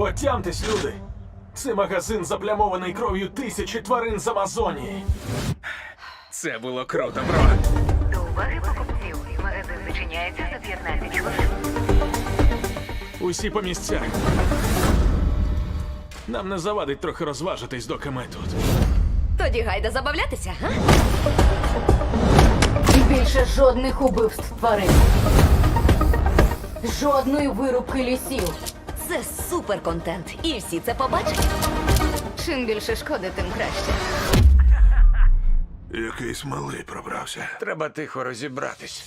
Отямтесь, люди! Це магазин заплямований кров'ю тисячі тварин з Амазонії. Це було круто, бро. До уваги покупців. Магазин зачиняється за 15 хвилин. Усі по місцях. Нам не завадить трохи розважитись, доки ми тут. Тоді гайда забавлятися, га? І більше жодних убивств тварин. Жодної вирубки лісів. Це супер контент, і всі це побачать. Чим більше шкоди, тим краще. Якийсь малий пробрався. Треба тихо розібратись.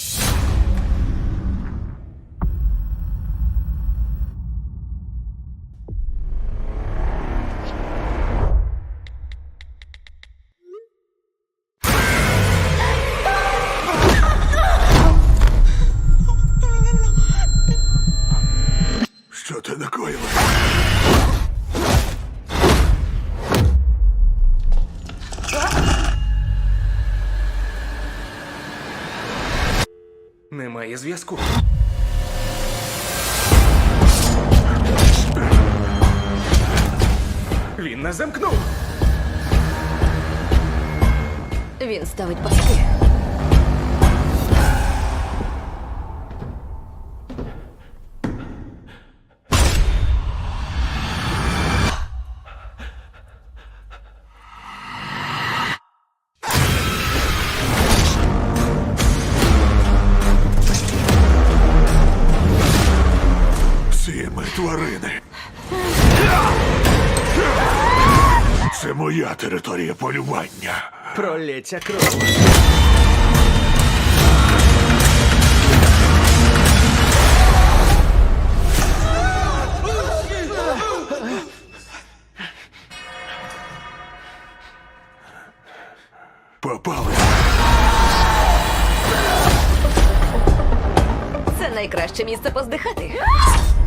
Що ти накоїла? Немає зв'язку. Він нас замкнув. Він ставить пастки. Всі ми тварини. Це моя територія полювання. Пролється кров. Попали. Це найкраще місце поздихати.